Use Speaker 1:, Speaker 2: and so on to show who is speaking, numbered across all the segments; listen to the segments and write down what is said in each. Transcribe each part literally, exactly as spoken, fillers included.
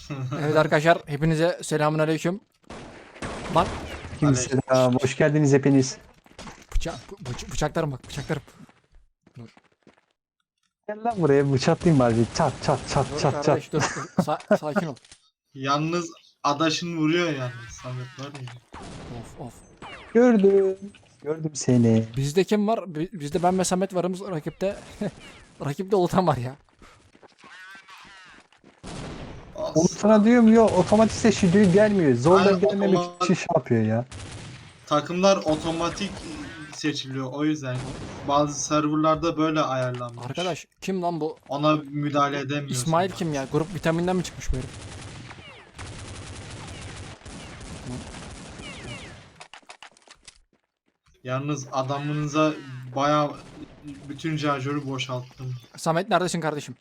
Speaker 1: Evet arkadaşlar hepinize selamünaleyküm. Lan
Speaker 2: Kimse
Speaker 3: Aleyküm.
Speaker 2: hoş geldiniz hepiniz.
Speaker 1: bıçak bıç- bıçaklarım bak bıçaklarım. Dur.
Speaker 2: Gel lan buraya bıçaklayayım bari. Çat çat çat
Speaker 1: Dur
Speaker 2: çat çat.
Speaker 1: kardeş dur. dur. Sa- sakin ol.
Speaker 3: Yalnız adaşın vuruyor yalnız Samet var ya.
Speaker 1: Of of.
Speaker 2: Gördüm. Gördüm seni.
Speaker 1: Bizde kim var? Bi- Bizde ben ve Samet varımız rakipte. Rakipte Ulutan var ya.
Speaker 2: Onu
Speaker 3: As-
Speaker 2: sana diyorum ya otomatik seçiliyor gelmiyor. Zorla
Speaker 3: Aynen,
Speaker 2: gelmemek
Speaker 3: otomatik-
Speaker 2: için şey yapıyor ya.
Speaker 3: Takımlar otomatik seçiliyor o yüzden. Bazı serverlarda böyle ayarlanmış.
Speaker 1: Arkadaş kim lan bu?
Speaker 3: Ona müdahale edemiyorsun.
Speaker 1: İsmail kim ya? Grup vitaminden mi çıkmış bu herif?
Speaker 3: Yalnız adamınıza bayağı bütün şarjörü boşalttım.
Speaker 1: Samet neredesin kardeşim?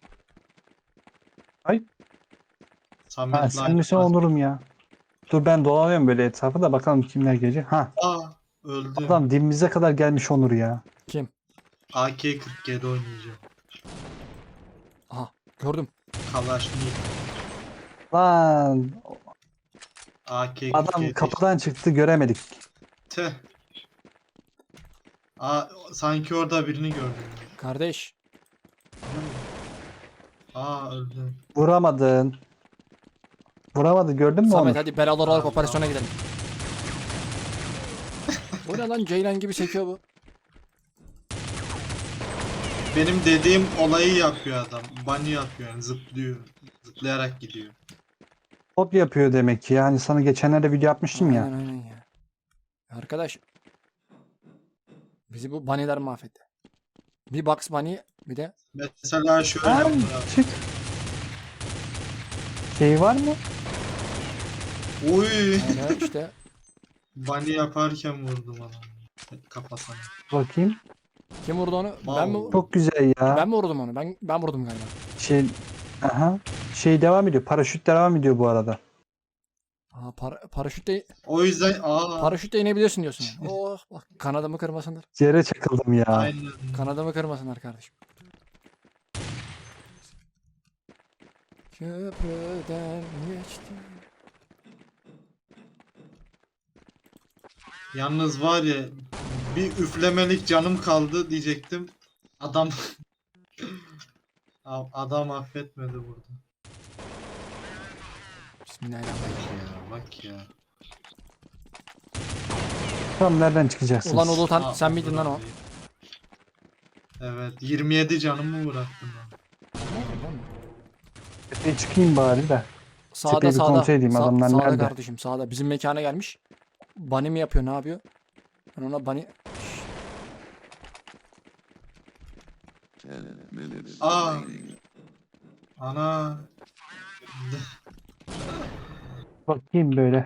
Speaker 3: Samet
Speaker 2: Ha, sen
Speaker 3: Light
Speaker 2: misin
Speaker 3: var.
Speaker 2: Onur'um ya. Dur ben dolanıyorum böyle etrafı da bakalım kimler gelecek. Ha
Speaker 3: Aa öldüm.
Speaker 2: adam dibimize kadar gelmiş Onur ya.
Speaker 1: Kim?
Speaker 3: A K kırk yedi oynayacağım.
Speaker 1: Aha gördüm.
Speaker 3: Kalaşnik.
Speaker 2: Lan
Speaker 3: A K kırk yedi.
Speaker 2: adam kapıdan çıktı göremedik.
Speaker 3: Tüh. Aa, sanki orada birini gördüm.
Speaker 1: Kardeş.
Speaker 3: Aa öldüm.
Speaker 2: Vuramadın. Vuramadı gördün mü
Speaker 1: Samet
Speaker 2: Onur?
Speaker 1: hadi belalı olarak
Speaker 3: Allah.
Speaker 1: operasyona gidelim. Bu ne lan Ceylan gibi sekiyor bu.
Speaker 3: Benim dediğim olayı yapıyor adam. Bunny yapıyor yani zıplıyor. Zıplayarak gidiyor.
Speaker 2: Top yapıyor demek ki. Yani sana geçenlerde video yapmıştım ya.
Speaker 1: Aynen aynen ya. Arkadaş. Bizi bu bunny'ler mahvetti. Bir Bugs Bunny bir de
Speaker 3: Mesela şöyle
Speaker 2: Ha,
Speaker 3: yapıyor.
Speaker 2: çık. Şey var mı?
Speaker 3: Uy.
Speaker 1: öyle işte
Speaker 3: Bunny yaparken vurdum adamı. Kafasına.
Speaker 2: Bakayım.
Speaker 1: kim vurdu onu? Ben mi
Speaker 2: Çok güzel ya.
Speaker 1: ben mi vurdum onu? Ben ben vurdum galiba.
Speaker 2: Şey, aha. Şey devam ediyor. Paraşüt devam ediyor bu arada.
Speaker 1: Aa para, paraşütle
Speaker 3: O yüzden aa.
Speaker 1: paraşütle inebilirsin diyorsun. Yani. Oh bak kanadımı kırmasınlar.
Speaker 2: Yere çakıldım ya.
Speaker 3: Aynen.
Speaker 1: Kanadımı kırmasınlar kardeşim. Köprüden geçtim.
Speaker 3: Yalnız var ya bir üflemelik canım kaldı diyecektim. Adam adam affetmedi burada.
Speaker 1: Bismillahirrahmanirrahim.
Speaker 3: Ya bak ya.
Speaker 2: Tam nereden çıkacaksınız?
Speaker 1: Ulan Ulutan
Speaker 3: Aa,
Speaker 1: sen miydin lan o?
Speaker 3: abi. Evet yirmi yedi canımı bıraktım ben.
Speaker 2: Bir çıkayım bari de.
Speaker 1: Sağda
Speaker 2: Tepeyi bir
Speaker 1: sağda.
Speaker 2: kontrol edeyim,
Speaker 1: Sa-
Speaker 2: adamlar
Speaker 1: sağda
Speaker 2: nerede?
Speaker 1: kardeşim sağda. Bizim mekana gelmiş. Bunny mi yapıyor ne yapıyor? Ben ona bunny...
Speaker 3: Aa. Ana.
Speaker 2: Bakayım böyle.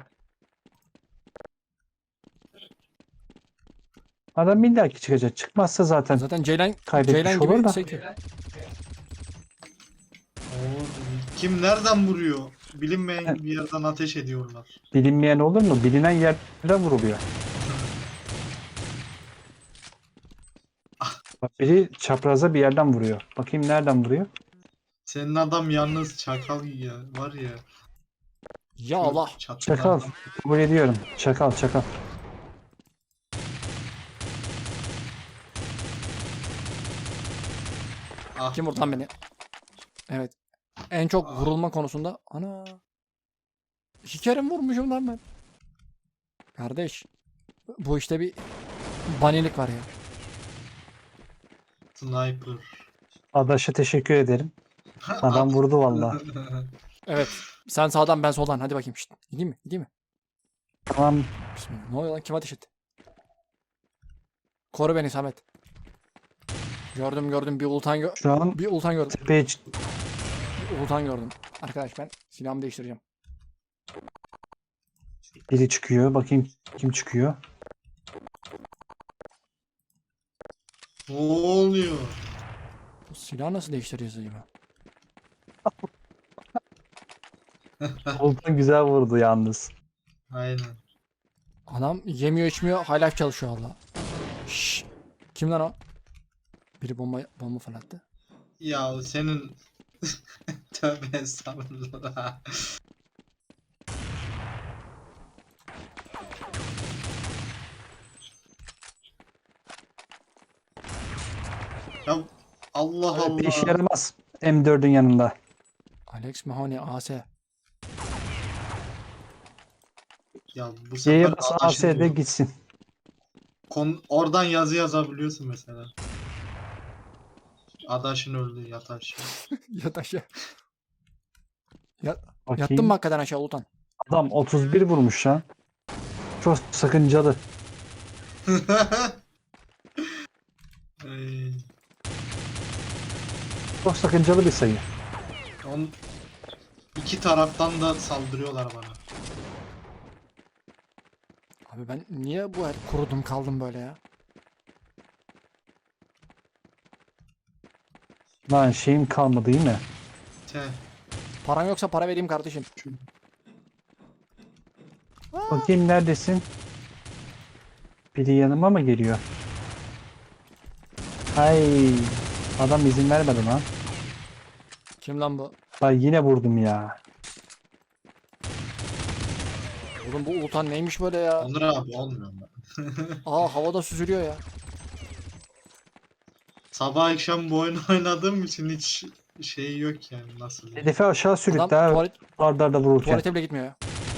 Speaker 2: Adam illaki çıkacak. Çıkmazsa zaten
Speaker 1: Zaten Ceylan,
Speaker 2: kaybetmiş
Speaker 1: Ceylan
Speaker 2: olur
Speaker 1: gibi
Speaker 2: da.
Speaker 1: sekiyor.
Speaker 3: Oo, kim nereden vuruyor? Bilinmeyen bir yerden ateş ediyorlar.
Speaker 2: Bilinmeyen olur mu? Bilinen yerlere vuruluyor. Bak biri çapraza bir yerden vuruyor. Bakayım nereden vuruyor?
Speaker 3: Senin adam yalnız çakal ya var ya.
Speaker 1: Ya Allah.
Speaker 3: Çatıdan-
Speaker 2: Çakal. Kabul ediyorum. Çakal çakal.
Speaker 3: Ah,
Speaker 1: Kim vurdu lan beni? Evet. En çok
Speaker 3: Aa.
Speaker 1: vurulma konusunda. Ana. İki kere mi vurmuşum lan ben? Kardeş. Bu işte bir banilik var ya.
Speaker 3: sniper.
Speaker 2: Adaş'a teşekkür ederim. Adam vurdu valla.
Speaker 1: Evet. Sen sağdan ben soldan. Hadi bakayım. Şişt. Gideyim mi? Gideyim mi?
Speaker 2: Tamam.
Speaker 1: Bismillah. Ne oluyor lan? Kim ateş etti? Koru beni Samet. Gördüm gördüm. Bir ultan gö
Speaker 2: Şu an
Speaker 1: bir ultan gördüm.
Speaker 2: tepeye çık-
Speaker 1: Bir ultan gördüm. Arkadaş ben silahımı değiştireceğim.
Speaker 2: biri çıkıyor. Bakayım kim çıkıyor.
Speaker 3: Ne oluyor?
Speaker 1: Bu silahı nasıl değiştireceğiz acaba?
Speaker 2: Oltan güzel vurdu yalnız.
Speaker 3: Aynen.
Speaker 1: Adam yemiyor içmiyor. Hala çalışıyor Allah. Şşş. Kim lan o? Biri bomba bomba fırlattı.
Speaker 3: Ya senin tövbe estağfurullah. Ya Allah
Speaker 2: Evet, bir işe
Speaker 3: Allah.
Speaker 2: yaramaz. M dördün yanında.
Speaker 1: Alex Mahoney A S.
Speaker 3: Ya bu
Speaker 2: Y'ye
Speaker 3: sefer
Speaker 2: bas
Speaker 3: adaşını
Speaker 2: A S'de
Speaker 3: buldum.
Speaker 2: gitsin.
Speaker 3: Kon oradan yazı yazabiliyorsun mesela. Adaşın öldü yat aşağı.
Speaker 1: Yat aşağı. Ya, yattın
Speaker 2: Bakayım.
Speaker 1: mı hakikaten aşağı Ulutan?
Speaker 2: Adam otuz bir vurmuş ha. Çok sakıncalı.
Speaker 3: Ay,
Speaker 2: Çok sakıncalı bir sayı.
Speaker 3: on, iki taraftan da saldırıyorlar bana.
Speaker 1: Abi ben niye bu her kurudum kaldım böyle ya?
Speaker 2: Lan şeyim kalmadı değil mi?
Speaker 3: Te.
Speaker 1: Paran yoksa para vereyim kardeşim.
Speaker 3: Şu,
Speaker 2: Bakayım neredesin? Biri yanıma mı geliyor? Ay, adam izin vermedi lan.
Speaker 1: Kim lan bu?
Speaker 2: Ay yine vurdum ya.
Speaker 1: Oğlum bu Ulutan neymiş böyle ya?
Speaker 3: Onur abi olmuyor mu?
Speaker 1: Aa havada süzülüyor ya.
Speaker 3: Sabah akşam bu oyunu oynadığım için hiç şey yok yani nasıl diyeyim.
Speaker 2: Hedefi aşağı sürükle
Speaker 1: Adam
Speaker 2: ha,
Speaker 1: tuvalet,
Speaker 2: arda arda vururken.
Speaker 1: tuvalete bile gitmiyor ya.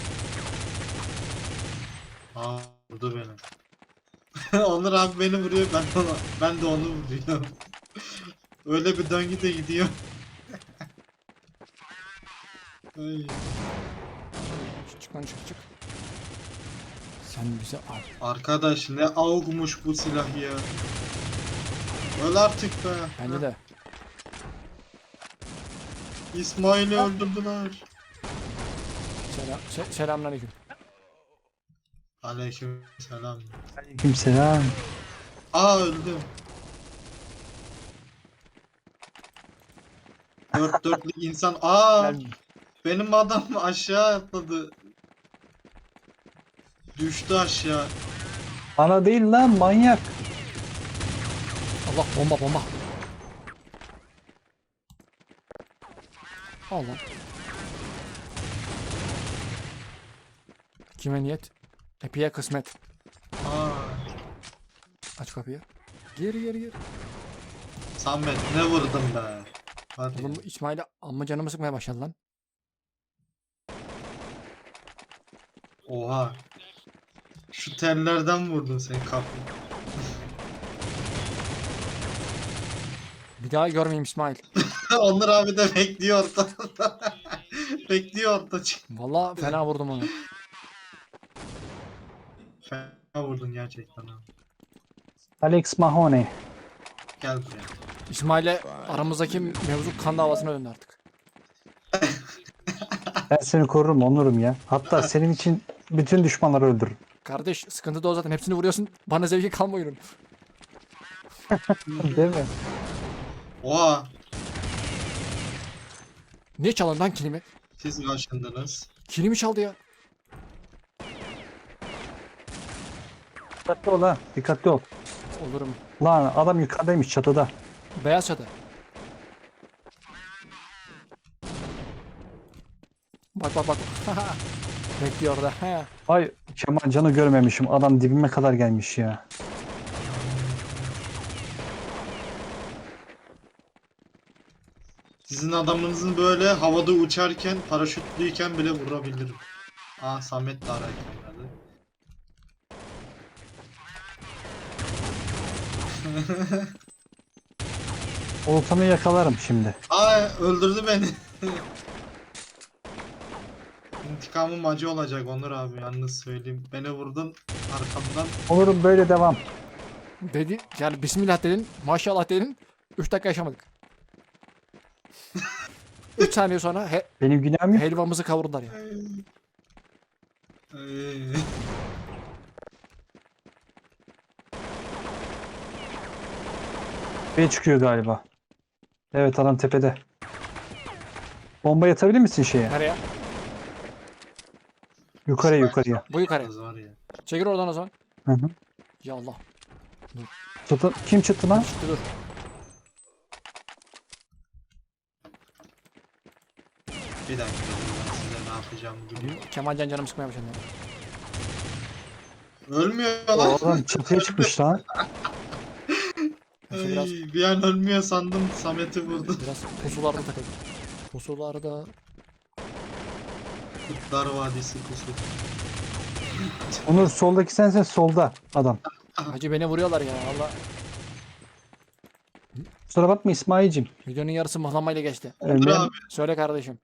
Speaker 3: Aa vurdu beni. Onur abi beni vuruyor ben de ona, ben de onu vuruyorum. Öyle bir döngü de gidiyor. Ay.
Speaker 1: Çık, çık lan çık çık. Sen bize al.
Speaker 3: Arkadaş ne avukmuş bu silah ya. Öl artık be.
Speaker 1: Bence de.
Speaker 3: İsmail'i öldürdüler.
Speaker 1: Selam, se selamünaleyküm.
Speaker 3: Aleyküm selam.
Speaker 2: Aleykümselam.
Speaker 3: Aa öldüm. Dört dörtlük insan. Aa
Speaker 2: Gel.
Speaker 3: benim adam aşağı atladı. Düştü aşağı.
Speaker 2: Bana değil lan manyak.
Speaker 1: Allah bomba bomba. Allah. Kime niyet? Epiye kısmet.
Speaker 3: Aa
Speaker 1: Aç kapıyı. Gir gir gir.
Speaker 3: Samet ne vurdun be. Hadi.
Speaker 1: Oğlum bu İsmail'e amma canımı sıkmaya başladı lan.
Speaker 3: Oha. Şu tellerden vurdun sen kapı.
Speaker 1: Bir daha görmeyeyim İsmail.
Speaker 3: Onur abi de bekliyor orada. Bekliyor orada.
Speaker 1: Vallahi fena vurdum onu.
Speaker 3: Fena vurdun gerçekten abi.
Speaker 2: Alex Mahoney.
Speaker 3: Gel buraya.
Speaker 1: İsmail'e aramızdaki mevzu kan davasına döndü artık.
Speaker 2: Ben seni korurum onurum ya. Hatta senin için bütün düşmanları öldürürüm.
Speaker 1: Kardeş sıkıntı da o zaten. Hepsini vuruyorsun. Bana zevki kalmıyor oyunun.
Speaker 2: Değil mi?
Speaker 3: Oha.
Speaker 1: Niye çalın lan kilimi?
Speaker 3: Siz kaçındınız.
Speaker 1: Kilimi çaldı ya.
Speaker 2: Dikkatli ol ha. Dikkatli ol.
Speaker 1: Olurum.
Speaker 2: Lan adam yukarıdaymış çatıda.
Speaker 1: Beyaz çatı. Bak bak bak. Bekliyor orada. He.
Speaker 2: Ay Kemal Can'ı görmemişim. Adam dibime kadar gelmiş ya.
Speaker 3: Sizin adamınızın böyle havada uçarken, paraşütlüyken bile vurabilirim. Aa Samet de ararken geldi.
Speaker 2: Oltanı yakalarım şimdi.
Speaker 3: Aa öldürdü beni. İntikamım acı olacak Onur abi yalnız söyleyeyim. Beni vurdun arkamdan.
Speaker 2: Olurum böyle devam.
Speaker 1: Dedi yani bismillah dedin. Maşallah dedin. üç dakika yaşamadık. üç saniye sonra he,
Speaker 2: Benim günahım yok.
Speaker 1: helvamızı kavurdular ya.
Speaker 3: Ay.
Speaker 2: Tepeye çıkıyor galiba. Evet adam tepede. Bomba yatabilir misin şeye?
Speaker 1: Nereye?
Speaker 2: Yukarıya yukarıya.
Speaker 1: Bu yukarı.
Speaker 3: Az var ya.
Speaker 1: Çekil oradan o zaman.
Speaker 2: Hı hı.
Speaker 1: Ya Allah.
Speaker 2: Çıtı, kim çıktı lan?
Speaker 1: Çıktı dur.
Speaker 3: Bir dakika ben size ne yapacağımı biliyorum.
Speaker 1: Kemalcan canım sıkmaya başladı.
Speaker 3: Ölmüyor
Speaker 2: O
Speaker 3: lan.
Speaker 2: adam çatıya çıkmış lan.
Speaker 1: Neyse,
Speaker 3: Ay,
Speaker 1: biraz,
Speaker 3: bir an ölmüyor sandım, Samet'i vurdu.
Speaker 1: biraz pusularda takıldım. Pusularda.
Speaker 3: Kurtlar Vadisi pusu.
Speaker 2: Onur soldaki sensin, solda adam.
Speaker 1: Hacı beni vuruyorlar ya valla.
Speaker 2: Kusura bakma İsmail'cim.
Speaker 1: Videonun yarısı mıhlamayla geçti.
Speaker 3: Onur
Speaker 2: Ölmeye-
Speaker 3: abi,
Speaker 1: Söyle kardeşim.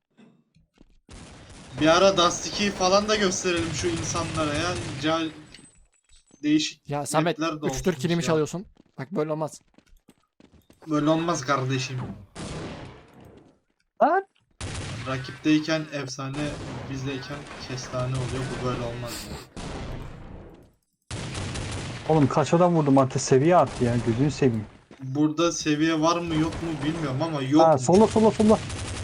Speaker 3: bir ara Dust ikiyi falan da gösterelim şu insanlara ya. Ca- değişik
Speaker 1: Ya Samet
Speaker 3: mapler de
Speaker 1: üç dört
Speaker 3: olsun
Speaker 1: kilimi
Speaker 3: ya.
Speaker 1: çalıyorsun. Bak böyle olmaz.
Speaker 3: Böyle olmaz kardeşim.
Speaker 2: Lan!
Speaker 3: Rakipteyken efsane, bizdeyken kestane oluyor. Bu böyle olmaz.
Speaker 2: Oğlum kaç adam vurdum artık, seviye arttı ya, gözünü seveyim.
Speaker 3: Burada seviye var mı yok mu bilmiyorum ama yok.
Speaker 2: Ha, sola sola sola.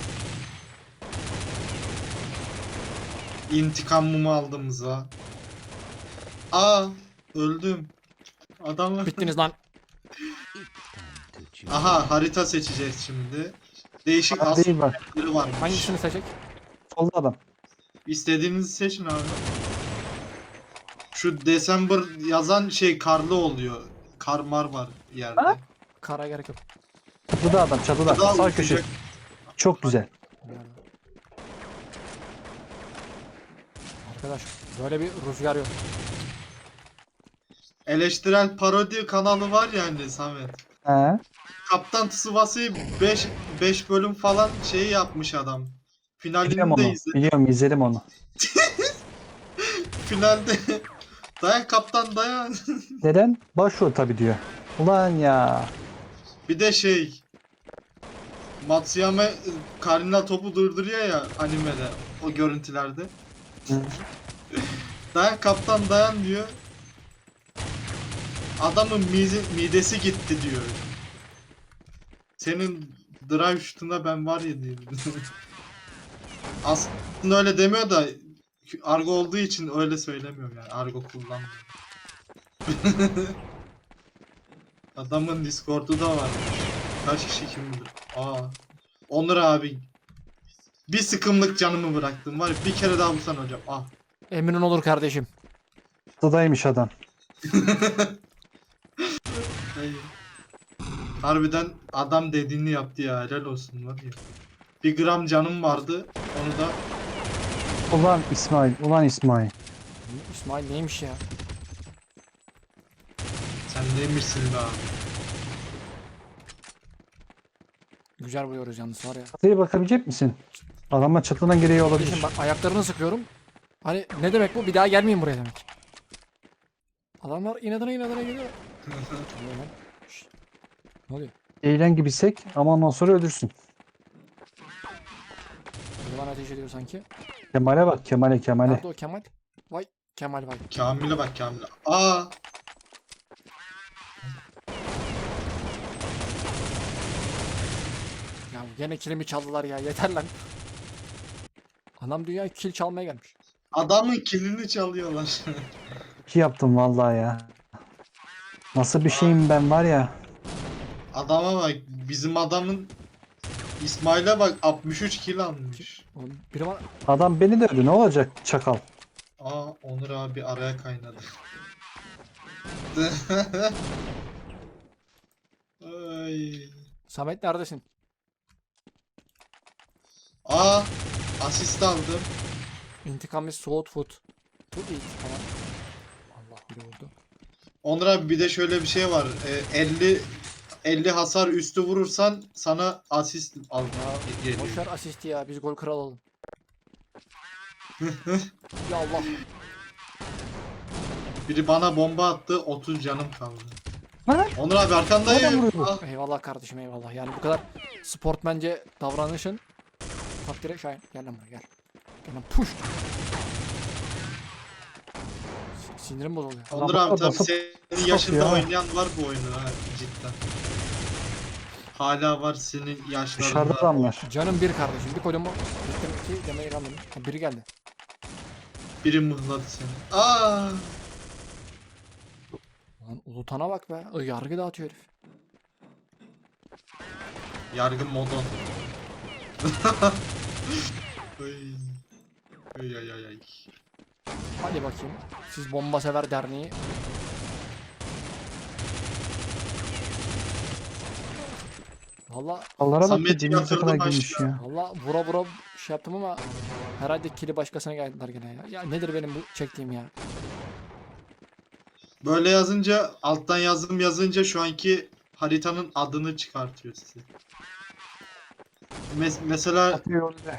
Speaker 3: İntikamımı aldığımıza. Aa, öldüm. Adam.
Speaker 1: Bittiniz lan.
Speaker 3: Aha, harita seçeceğiz şimdi. Değişik
Speaker 2: Ha, değil bak.
Speaker 3: aslında varmış.
Speaker 1: Hangisini seçecek?
Speaker 2: Solda adam.
Speaker 3: İstediğinizi seçin abi. Şu December yazan şey karlı oluyor. Karmar var yerde.
Speaker 2: Ha?
Speaker 1: Kara gerek yok.
Speaker 2: Çatıda adam, çatıda.
Speaker 3: Daha
Speaker 2: Sağ
Speaker 3: uzayacak.
Speaker 2: köşe. Çok güzel.
Speaker 1: Nerede? Arkadaş böyle bir rüzgar yok.
Speaker 3: Eleştirel parodi kanalı var ya hani Samet.
Speaker 2: He.
Speaker 3: Kaptan Tsubasa'yı beş beş bölüm falan şeyi yapmış adam.
Speaker 2: Biliyorum
Speaker 3: Finalini de
Speaker 2: onu.
Speaker 3: izledim.
Speaker 2: Biliyorum, izledim onu.
Speaker 3: Finalde dayan kaptan dayan.
Speaker 2: Neden? Başrol tabii diyor. Ulan ya.
Speaker 3: Bir de şey Matsuyama karnına topu durduruyor ya animede o görüntülerde.
Speaker 2: Hı.
Speaker 3: Dayan kaptan dayan diyor. Adamın mize, midesi gitti diyor. Senin drive şutuna ben var ya diyor. Aslında öyle demiyor da argo olduğu için öyle söylemiyorum yani. Argo kullanmıyor. Adamın Discord'u da var. Kaç kişi kim bilir. Aa. Onur abi. Bir sıkımlık canımı bıraktım var ya, bir kere daha vursan hocam. Ah.
Speaker 1: Emin olur kardeşim.
Speaker 2: Çatıdaymış adam.
Speaker 3: Ay. Harbiden adam dediğini yaptı ya, helal olsun var ya. Bir gram canım vardı, onu da
Speaker 2: Ulan İsmail, ulan İsmail.
Speaker 1: İsmail neymiş ya?
Speaker 3: sen neymişsin be abi.
Speaker 1: Güzel vuruyoruz yalnız var ya.
Speaker 2: Çatıya bakabilecek misin? Adamlar çatıdan geriye olabilir.
Speaker 1: Kardeşim bak ayaklarını sıkıyorum. Hani ne demek bu? Bir daha gelmeyin buraya demek. Adamlar inadına inadına geliyor. Ne oluyor lan? Şşt. Ne oluyor?
Speaker 2: Eğlen gibisek ama ondan sonra ölürsün.
Speaker 1: Biri bana ateş ediyor sanki.
Speaker 2: Kemal'e bak, Kemal'e Kemal'e.
Speaker 1: Nerede o Kemal? Vay Kemal vay.
Speaker 3: Kamil'e bak Kamil'e. Aa.
Speaker 1: Ya gene kilimi çaldılar ya yeter lan. Anam dünya kil çalmaya gelmiş.
Speaker 3: Adamın kilini çalıyorlar.
Speaker 2: İki yaptım vallahi ya. Nasıl bir şeyim ben var ya.
Speaker 3: Adama bak, bizim adamın İsmail'e bak altmış üç kill almış.
Speaker 1: Oğlum, biri bana...
Speaker 2: Adam beni dövdü, ne olacak çakal.
Speaker 3: Aa, Onur abi araya kaynadı. Ay.
Speaker 1: Samet neredesin?
Speaker 3: Aa, asist aldım.
Speaker 1: İntikam is soğut food. To eat. Tamam. Allah biri vurdu.
Speaker 3: Onur abi bir de şöyle bir şey var. Ee, elli elli hasar üstü vurursan sana asist al.
Speaker 1: Ya
Speaker 3: geliyor.
Speaker 1: boşver asisti ya biz gol kral olalım. Ya Allah.
Speaker 3: Biri bana bomba attı, otuz canım kaldı.
Speaker 2: Lan!
Speaker 3: Onur abi
Speaker 2: Nereden
Speaker 3: arkandayım.
Speaker 2: vuruyor?
Speaker 3: Ah,
Speaker 1: Eyvallah kardeşim eyvallah. Yani bu kadar sportmence davranışın takdire şayan. Gel lan buraya gel. Gel lan push. S- Sinirim bozuluyor.
Speaker 3: Onur
Speaker 2: Adam
Speaker 3: abi tabii
Speaker 2: basıp-
Speaker 3: senin
Speaker 2: basıp
Speaker 3: yaşında
Speaker 2: ya.
Speaker 3: oynayan var bu oyunu ha cidden. Hala var senin yaşlarında.
Speaker 2: Dışarıda adamlar.
Speaker 1: Canım bir kardeşim. Bir kodumu. Bittim ki demeye kalmadım. Ha, biri geldi.
Speaker 3: Biri mıhladı seni. Aa!
Speaker 1: Lan Ulutan'a bak be. Ay, yargı dağıtıyor herif.
Speaker 3: Yargı modon. Ay. Ay ay ay ay.
Speaker 1: Hadi bakayım. Siz Bomba Sever Derneği. Valla
Speaker 2: Allah'a bak da
Speaker 3: Samet'i
Speaker 2: dibimize
Speaker 3: yatırdım
Speaker 2: kadar girmiş
Speaker 3: aşağı.
Speaker 2: ya.
Speaker 1: valla vura vura şey yaptım ama herhalde kili başkasına geldiler gene ya. Ya nedir benim bu çektiğim ya?
Speaker 3: Böyle yazınca alttan yazım yazınca şu anki haritanın adını çıkartıyor size. Mes- mesela
Speaker 2: Atıyor öyle.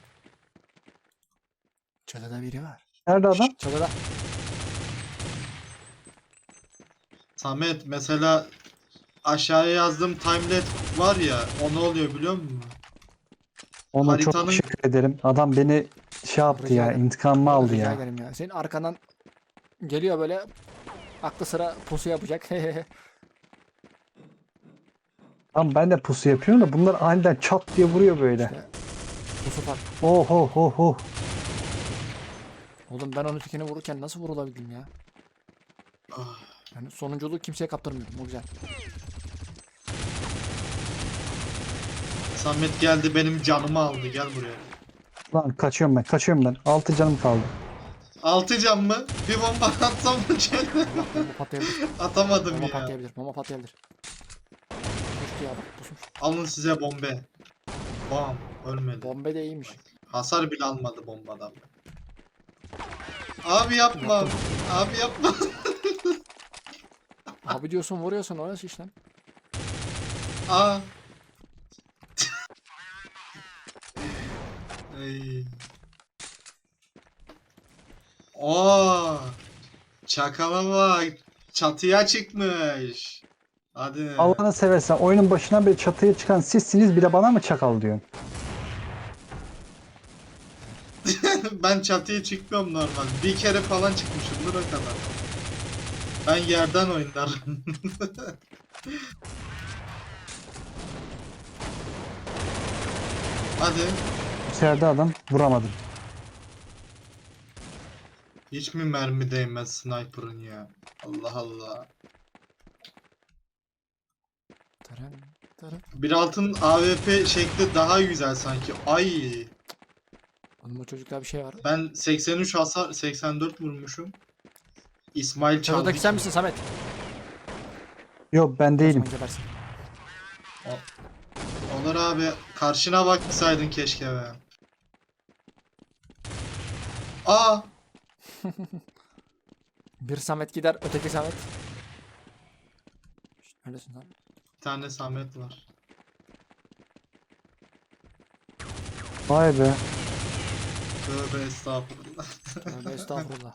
Speaker 1: Çatıda biri var.
Speaker 2: Nerede adam?
Speaker 1: Çatıda.
Speaker 3: Samet mesela aşağıya yazdığım timelet var ya o ne oluyor biliyor musun?
Speaker 2: Ona çok
Speaker 3: Haritanın-
Speaker 2: teşekkür ederim. Adam beni şey yaptı
Speaker 1: Rica
Speaker 2: ya.
Speaker 1: ederim.
Speaker 2: İntikamımı aldı
Speaker 1: Rica
Speaker 2: ya.
Speaker 1: ederim ya. Senin arkandan geliyor böyle aklı sıra pusu yapacak.
Speaker 2: Tamam ben de pusu yapıyorum da bunlar aniden çat diye vuruyor böyle.
Speaker 1: İşte pusu fark.
Speaker 2: Oh oh oh oh.
Speaker 1: Oğlum ben onun tükeni vururken nasıl vurulabildim ya?
Speaker 3: Ah,
Speaker 1: Yani sonunculuğu kimseye kaptırmıyorum. O güzel.
Speaker 3: Samet geldi benim canımı aldı gel buraya.
Speaker 2: Lan kaçıyorum ben kaçıyorum ben. Altı canım kaldı.
Speaker 3: Altı can mı? Bir bomba atsam mı şöyle?
Speaker 1: Allah bomba patlayabilir.
Speaker 3: Atamadım
Speaker 1: Bomba
Speaker 3: ya.
Speaker 1: patlayabilir. Bomba patlayabilir. Pustu ya bak pusmuş.
Speaker 3: Alın size bombe. Bam ölmedi.
Speaker 1: Bombe de iyiymiş.
Speaker 3: Hasar bile almadı bombadan. Abi yapma.
Speaker 1: Yaptım.
Speaker 3: Abi yapma.
Speaker 1: Abi diyorsun vuruyorsun o nasıl iş lan?
Speaker 3: Aa. Ay. Oo. Çakala bak. Çatıya çıkmış. Hadi.
Speaker 2: Allah'ını seversen oyunun başından beri çatıya çıkan sizsiniz bir de bana mı çakal diyorsun?
Speaker 3: Ben çatıya çıkmıyorum normal. Bir kere falan çıkmışımdır o kadar. Ben yerden oynarım. Hadi.
Speaker 2: İçeride adam vuramadım.
Speaker 3: Hiç mi mermi değmez sniper'ın ya? Allah Allah.
Speaker 1: Taran, taran.
Speaker 3: Bir altın A W P şekli daha güzel sanki. Ay.
Speaker 1: Oğlum o çocukta bir şey var.
Speaker 3: Ben seksen üç hasar seksen dört vurmuşum. İsmail çaldı.
Speaker 1: Çatıdaki sen misin Samet?
Speaker 2: Yok ben
Speaker 1: O
Speaker 2: değilim.
Speaker 1: zaman gebersin.
Speaker 3: Onur abi karşına baksaydın keşke be. Aa.
Speaker 1: Bir Samet gider, öteki Samet. Şşt, neredesin lan?
Speaker 3: Bir tane Samet var.
Speaker 2: Vay be.
Speaker 3: Tövbe estağfurullah.
Speaker 1: Tövbe estağfurullah.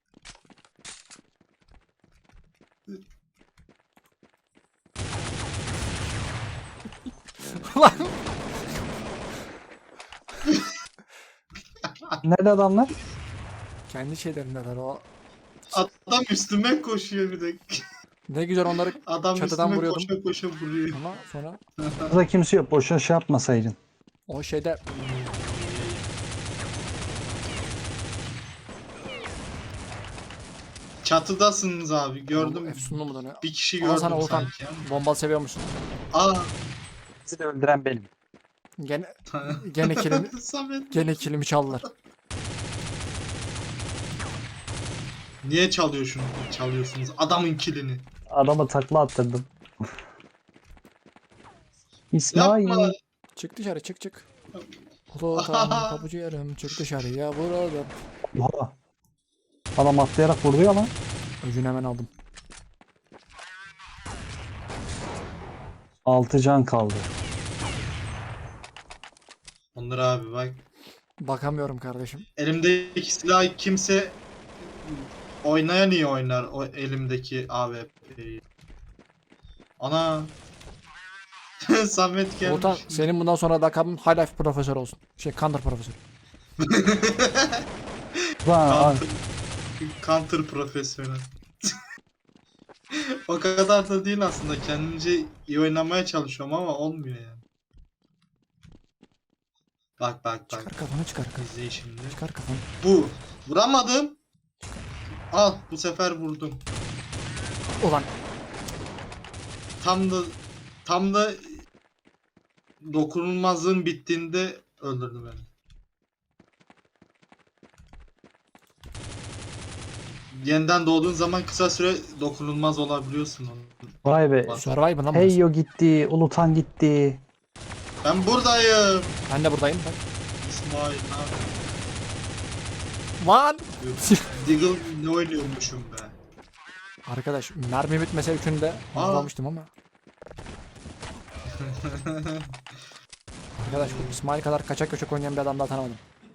Speaker 1: Ulan
Speaker 2: Nerede adamlar?
Speaker 1: kendi şeylerindeler o.
Speaker 3: Adam üstüme koşuyor bir de.
Speaker 1: Ne güzel onları
Speaker 3: Adam
Speaker 1: Çatıdan
Speaker 3: üstüme
Speaker 1: vuruyordum.
Speaker 3: koşa koşa vuruyor.
Speaker 1: ama sonra
Speaker 2: Burada kimse yok. Boşuna şey yapmasaydın.
Speaker 1: o şeyde
Speaker 3: Çatıdasınız abi gördüm.
Speaker 1: bu Efsunlu mu dönüyor?
Speaker 3: Bir kişi
Speaker 1: Ama
Speaker 3: gördüm
Speaker 1: sana Volkan
Speaker 3: sanki. ama.
Speaker 1: bombalı seviyormuşsun.
Speaker 3: Aa.
Speaker 2: Sizi de öldüren benim.
Speaker 1: Gene gene kilimi
Speaker 3: Samet.
Speaker 1: gene kilimi çaldılar.
Speaker 3: Niye çalıyor şunu? Çalıyorsunuz adamın kilini.
Speaker 2: Adama takla attırdım. İsmail.
Speaker 3: Yapma.
Speaker 1: Çık dışarı çık çık. Ulutan kapıcı yarım çık dışarıya vuralım.
Speaker 2: Oha. Adam atlayarak vurdu ama.
Speaker 1: Öcünü hemen aldım.
Speaker 2: Altı can kaldı.
Speaker 3: Onur abi bak.
Speaker 1: Bakamıyorum kardeşim.
Speaker 3: Elimdeki silahı kimse oynayan iyi oynar o elimdeki A W P'yi. Ana. Samet gelmiş.
Speaker 1: Ulutan senin bundan sonra lakabın High Life profesör olsun. Şey Counter profesör.
Speaker 2: Lan,
Speaker 3: Counter, counter profesyonel. O kadar da değil aslında. Kendince iyi oynamaya çalışıyorum ama olmuyor yani. Bak bak bak.
Speaker 1: Çıkar kafanı çıkar kafanı.
Speaker 3: İzleyin şimdi.
Speaker 1: Çıkar kafanı.
Speaker 3: Bu. Vuramadım. Al bu sefer vurdum.
Speaker 1: Ulan
Speaker 3: Tam da tam da dokunulmazlığın bittiğinde öldürdü beni. Yeniden doğduğun zaman kısa süre dokunulmaz olabiliyorsun. Onu.
Speaker 2: vay be.
Speaker 3: Bak.
Speaker 1: Survivor lan
Speaker 2: Hey
Speaker 1: burası.
Speaker 2: yo gitti. Ulutan gitti.
Speaker 3: Ben buradayım.
Speaker 1: Ben de buradayım bak.
Speaker 3: İsmail ne yapıyorsun?
Speaker 1: Lan!
Speaker 3: Diggle ne oynuyormuşum be.
Speaker 1: Arkadaş mermi bitmese üçünü de
Speaker 3: Aa.
Speaker 1: vurmamıştım ama. Arkadaş bu İsmail kadar kaçak köşek oynayan bir adam daha tanımadım.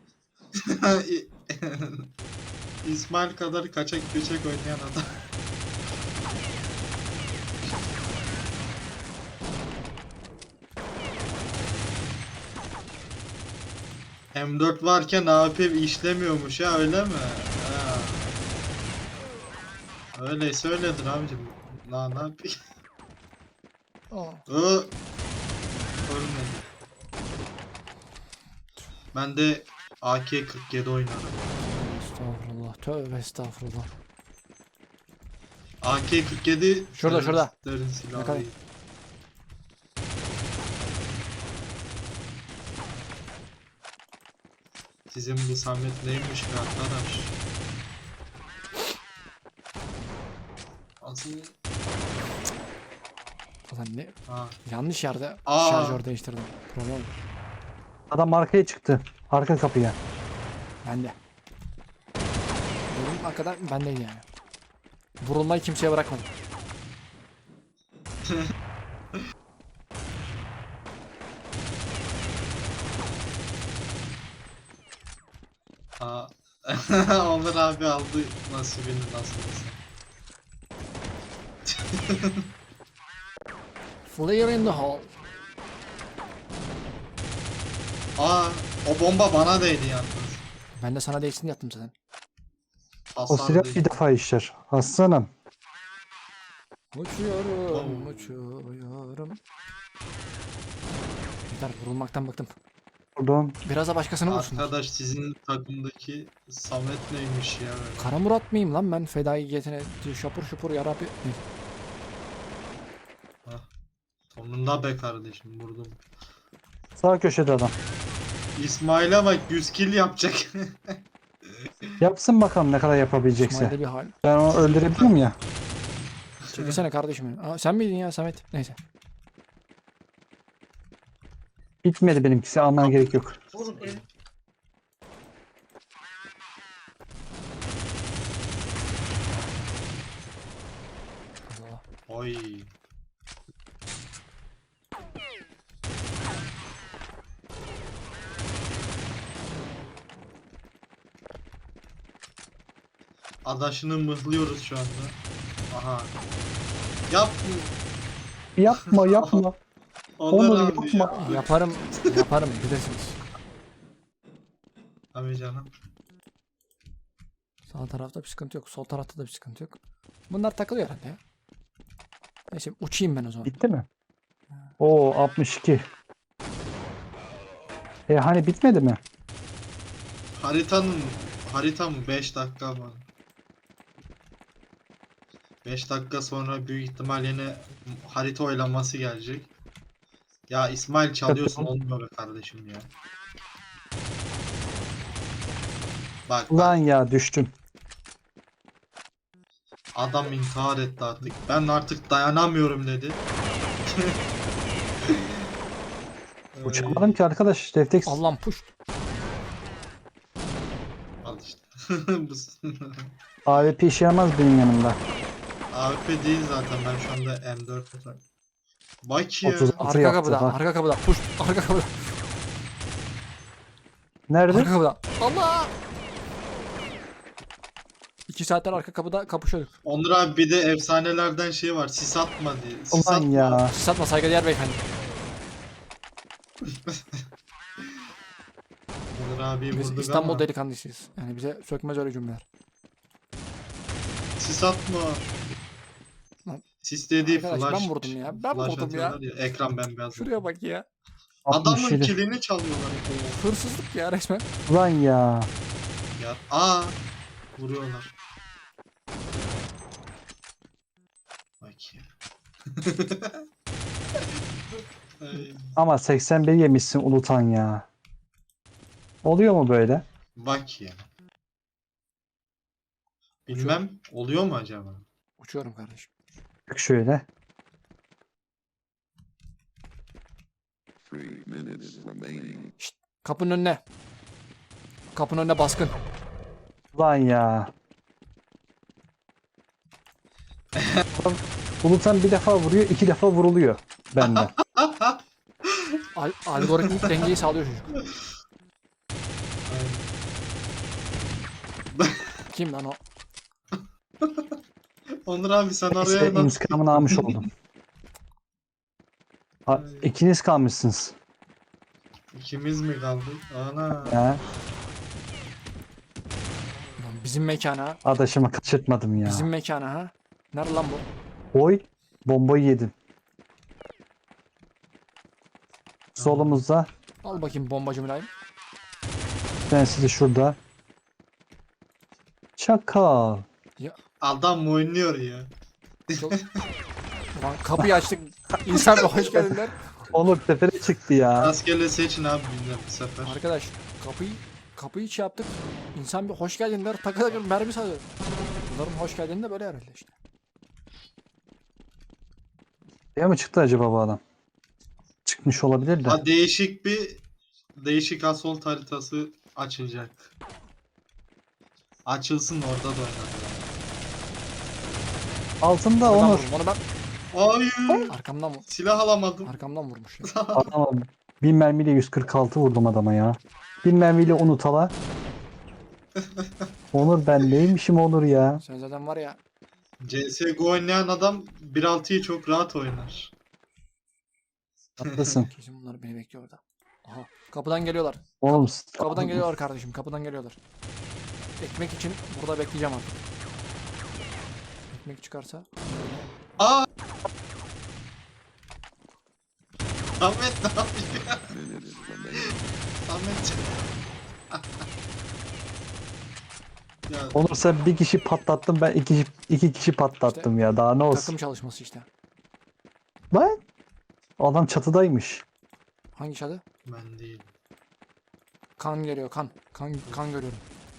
Speaker 3: İsmail kadar kaçak göçek oynayan adam. M dört varken A W P işlemiyormuş ya öyle mi? Ha. Öyleyse öyledir abicim. Na ne yapayım?
Speaker 1: Aa.
Speaker 3: Ö Ölmedi. Ben de A K kırk yedi oynarım.
Speaker 1: Estağfurullah. Tövbe estağfurullah.
Speaker 3: A K kırk yedi
Speaker 1: Şurada, şurada.
Speaker 3: teröristlerin silahı
Speaker 1: Yakala.
Speaker 3: değil. Sizin bu Samet neymiş be arkadaş? Asıl
Speaker 1: Ulan ne?
Speaker 3: ha.
Speaker 1: Yanlış yerde
Speaker 3: Aa.
Speaker 1: şarjör değiştirdim. Problem.
Speaker 2: Adam arkaya çıktı. Arka kapıya.
Speaker 1: Bende. Benim kadar bendeydi yani. Vurulmayı kimseye bırakmadım.
Speaker 3: Aa. Onur abi aldı nasibini nasıl olsa.
Speaker 1: Flare in the hole.
Speaker 3: Aa, o bomba bana değdi yalnız.
Speaker 1: Ben de sana değsin yaptım zaten.
Speaker 2: O
Speaker 3: Hasar
Speaker 2: silah
Speaker 3: değil.
Speaker 2: bir defa işler. Aslanım.
Speaker 1: Uçuyorum,
Speaker 3: Oo.
Speaker 1: uçuyorum. Yeter vurulmaktan bıktım.
Speaker 2: Buradan
Speaker 1: Biraz da başkasını vursunlar.
Speaker 3: Arkadaş sizin takımdaki Samet neymiş ya böyle?
Speaker 1: Kara Murat mıyım lan ben fedaiyetine şapur şupur yarabbi.
Speaker 3: Sonunda be kardeşim vurdum.
Speaker 2: sağ köşede adam.
Speaker 3: İsmail'e bak yüz kill yapacak.
Speaker 2: Yapsın bakalım ne kadar yapabilecekse.
Speaker 1: İsmail'de bir hal.
Speaker 2: Ben onu öldürebilirim ya.
Speaker 1: Çekilsene kardeşim. benim. Aa, sen miydin ya Samet? Neyse.
Speaker 2: Bitmedi benimkisi. Almana gerek yok.
Speaker 1: Allah.
Speaker 3: Oy. Adaşını mıhlıyoruz şu anda. Aha. Yap.
Speaker 2: Yapma yapma.
Speaker 3: Onur
Speaker 2: Onur,
Speaker 3: abi
Speaker 2: yapma.
Speaker 3: ya.
Speaker 1: Yaparım, yaparım bilirsiniz.
Speaker 3: Abi canım.
Speaker 1: Sağ tarafta bir sıkıntı yok. Sol tarafta da bir sıkıntı yok. Bunlar takılıyor herhalde ya. Neyse uçayım ben o zaman.
Speaker 2: Bitti mi? Oo altmış iki. E hani bitmedi mi?
Speaker 3: Haritanın harita mı? beş dakika var. beş dakika sonra büyük ihtimal yine harita oylaması gelecek. Ya İsmail çalıyorsun olmuyor be kardeşim ya. Bak,
Speaker 2: Ulan
Speaker 3: bak
Speaker 2: ya düştüm.
Speaker 3: adam intihar etti artık. Ben artık dayanamıyorum dedi.
Speaker 2: Uçamadım ki arkadaş. Refleks.
Speaker 1: Allah'ım push.
Speaker 3: Al işte.
Speaker 2: A W P işe yaramaz benim yanımda.
Speaker 3: A W P değil zaten ben şu anda M dört atak. Bak ya.
Speaker 2: otuz
Speaker 1: Arka
Speaker 2: yaptı,
Speaker 1: kapıda,
Speaker 2: bak.
Speaker 1: arka kapıda. Push. Arka kapıda.
Speaker 2: Nerede?
Speaker 1: Arka kapıda. Allah! İki saatler arka kapıda kapışıyorduk.
Speaker 3: Onur abi bir de efsanelerden şey var. Sis atma diye. Sis
Speaker 2: Ulan
Speaker 3: atma.
Speaker 2: ya.
Speaker 1: Satma saygıdeğer beyefendi.
Speaker 3: Onur abi
Speaker 1: Biz
Speaker 3: vurduk
Speaker 1: İstanbul
Speaker 3: ama.
Speaker 1: delikanlısıyız. Yani bize sökmez öyle cümleler.
Speaker 3: Sis atma.
Speaker 1: Lan.
Speaker 3: Sis dediği
Speaker 1: Arkadaş,
Speaker 3: flash.
Speaker 1: ben vurdum ya, ben
Speaker 3: flash
Speaker 1: vurdum ya.
Speaker 3: atıyorlar Ekran bembeyaz.
Speaker 1: Şuraya bak ya.
Speaker 3: Adamın
Speaker 2: altmış yedi.
Speaker 3: kilini çalıyorlar.
Speaker 1: Hırsızlık ya resmen.
Speaker 2: Ulan ya.
Speaker 3: Ya. Aa. Vuruyorlar. Bak ya. Ay,
Speaker 2: Ama seksen bir yemişsin Ulutan ya. Oluyor mu böyle?
Speaker 3: Bak ya. Bilmem oluyor mu acaba?
Speaker 1: Uçuyorum kardeşim.
Speaker 2: Bak şöyle.
Speaker 4: Three minutes remaining.
Speaker 1: Kapının önüne. Kapının önüne baskın.
Speaker 2: Lan ya. Adam Bulut'tan bir defa vuruyor, iki defa vuruluyor benden.
Speaker 1: Al algoritmik dengeyi sağlıyor çocuk. Kim lan o?
Speaker 3: Onur abi sen
Speaker 2: Neyse
Speaker 3: oraya nasıl...
Speaker 2: intikamını almış oldum. Ha, ikiniz kalmışsınız.
Speaker 3: İkimiz mi kaldık? Ana.
Speaker 2: Ya,
Speaker 1: Lan bizim mekana.
Speaker 2: adaşımı kaçırtmadım ya.
Speaker 1: Bizim mekana ha. Nerede lan bu?
Speaker 2: Oy, bombayı yedim. Solumuzda.
Speaker 1: Al bakayım bombacı mülayim.
Speaker 2: Ben sizi şurada. Çakal.
Speaker 3: Adam oynuyor ya.
Speaker 1: Çok... Ulan kapıyı açtık. İnsan bir hoş geldinler.
Speaker 2: Onur tepene çıktı ya.
Speaker 3: Rastgele seçin abi bizden bu sefer.
Speaker 1: Arkadaş kapıyı kapıyı şey yaptık. İnsan bir hoş geldinler. Takı takı mermi salıyor. Bunların hoş geldin de böyle herhalde işte.
Speaker 2: Ya mı çıktı acaba bu adam? Çıkmış olabilir de.
Speaker 3: Ha, değişik bir değişik assault haritası açılacak. Açılsın orada da oynayalım.
Speaker 2: Altında
Speaker 1: Oradan
Speaker 2: Onur.
Speaker 1: vurdum. Onu ben
Speaker 3: Hayır.
Speaker 1: arkamdan vur.
Speaker 3: Silah alamadım.
Speaker 1: Arkamdan vurmuş ya.
Speaker 2: Adama bin mermiyle yüz kırk altı vurdum adama ya. Bin mermiyle unutala. Onur ben neymişim Onur ya.
Speaker 1: Sen zaten var ya.
Speaker 3: C S G O oynayan adam bir nokta altıyı çok rahat oynar.
Speaker 2: Haklısın.
Speaker 1: Kesin bunlar beni bekliyor orada. Aha. Kapıdan geliyorlar.
Speaker 2: Oğlum
Speaker 1: Kapıdan geliyorlar kardeşim. Kapıdan geliyorlar. Ekmek için burada bekleyeceğim artık. Ekmek çıkarsa.
Speaker 3: Aa! Ahmet ne yapıyor?
Speaker 4: Minutes remaining.
Speaker 3: Ahmet. Ya
Speaker 2: Onur sen bir kişi patlattın ben iki, iki kişi patlattım ya daha ne olsun.
Speaker 1: Takım çalışması işte.
Speaker 2: Lan adam çatıdaymış.
Speaker 1: Hangi şadı?
Speaker 3: ben değil.
Speaker 1: Kan geliyor kan. Kan kan görüyorum.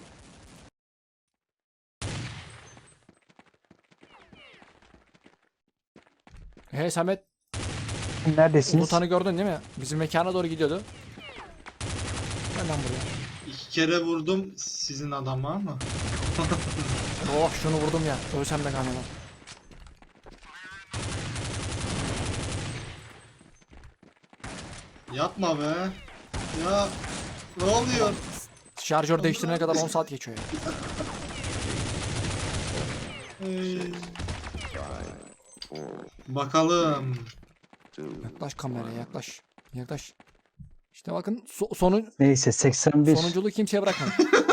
Speaker 1: Hey Samet,
Speaker 2: Neredesiniz?
Speaker 1: Ulutan'ı gördün değil mi? Bizim mekana doğru gidiyordu. Gel lan buraya.
Speaker 3: İki kere vurdum sizin adama ama.
Speaker 1: Oh şunu vurdum ya. Ölsem de kanımam.
Speaker 3: Yapma be. Ya ne oluyor?
Speaker 1: Şarjör değiştirene kadar on saat geçiyor ya.
Speaker 3: Ey. Bakalım.
Speaker 4: Two.
Speaker 1: Yaklaş kameraya yaklaş. Yaklaş. İşte bakın so- sonu
Speaker 2: Neyse seksen bir.
Speaker 1: sonunculuğu kimseye bırakmadım.